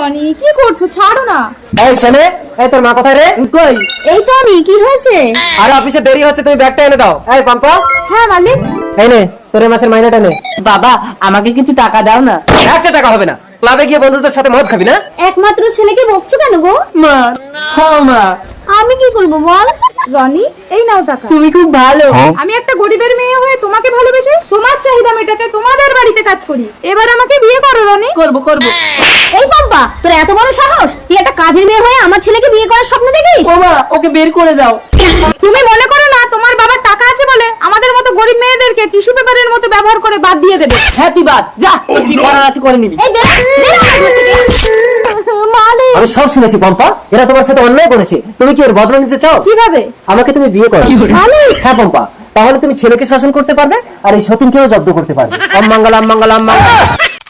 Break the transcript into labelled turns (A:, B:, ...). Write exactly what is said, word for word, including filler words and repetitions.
A: রনি, কি করছো? ছাড়ো না।
B: এই শোনে, এই তোর মা কোথায় রে?
A: কই? এই তো আমি। কি হয়েছে?
B: আরে অফিসে দেরি হচ্ছে, তুমি ব্যাগটা এনে দাও। এই পাম্পা,
A: হ্যাঁ মালিক।
B: এই নে তোর এই মাসের মাইনেটা নে।
C: বাবা আমাকে কিছু টাকা দাও না।
B: একটা টাকা হবে না, ক্লাবে গিয়ে বন্ধুদের সাথে মদ খাবি না?
A: একমাত্র ছেলেকে বকছো কেন গো?
C: মা, হ্যাঁ মা,
A: আমি কি করবো বল? রনি, এই নাও টাকা।
C: তুমি খুব ভালো।
A: আমি একটা গরিবের মেয়ে হয়ে তোমাকে ভালোবেসে তোমার চাহিদা মেটাতে তোমাদের বাড়িতে কাজ করি। এবার আমাকে বিয়ে করো রনি।
C: করব করব।
A: এই পাম্পা, তোর এত বড় সাহস? তুই একটা কাজের মেয়ে হয়ে আমার ছেলেকে বিয়ে করার স্বপ্ন দেখিস?
C: ও মা, ওকে বের করে দাও।
A: তুমি মনে করো না তোমার বাবার টাকা আছে বলে আমাদের মতো গরিব মেয়েদেরকে টিস্যু পেপারের মতো ব্যবহার করে বাদ দিয়ে দেবে?
C: হ্যাঁ তুই বাদ যা, তোর কি করার আছে করে নিবি।
A: এই বেরো, বেরো আমার ঘর থেকে। মালিক,
B: আমি সব শুনেছি পম্পা, এরা তোমার সাথে অন্যায় করেছে। তুমি কি ওর বদলা নিতে চাও?
A: কিভাবে?
B: আমাকে তুমি বিয়ে করো।
A: মালিক,
B: হ্যাঁ পম্পা, তাহলে তুমি ছেলেকে শাসন করতে পারবে আর এই সতীনকেও জব্দ করতে পারবে। ওম মঙ্গলম মঙ্গলম মঙ্গলম।